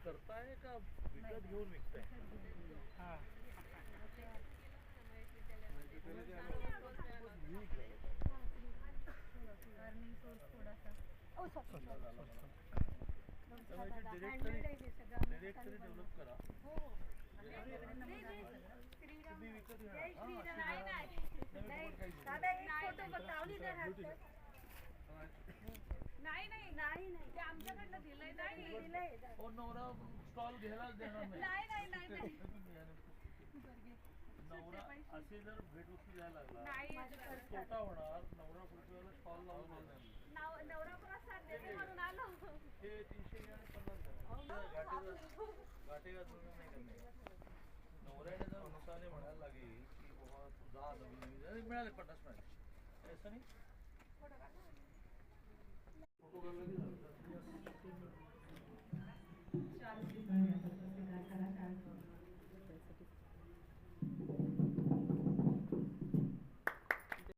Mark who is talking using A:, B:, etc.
A: करताय का विकत घेऊन विकताय?
B: हां
C: अर्निंग सोर्स थोडासा
A: डिरेक्ट तरी डेव्हलप करा. तुम्ही विकत घ्या.
C: नाही नाही नाही नाही ते आमच्याकडनं दिलंय नाही
A: हो नवरा स्टॉल घ्यायलाच देणार
C: नाही नाही नाही
A: नवरा असे जर भेटवस्तू द्यायला लागला तोटा होणार. नवरा पुढच्या वेळेला स्टॉल लावून देणार.
C: नवरा प्रसाद देते म्हणून आलो.
A: हे 300 आणि 50 गाठे नाही करणे. नवऱ्याने जर अनुसाने म्हणायला लागेल की बाबा तू जा नवीन मिळाले 50 मिळाले असं नाही. फोटो काढला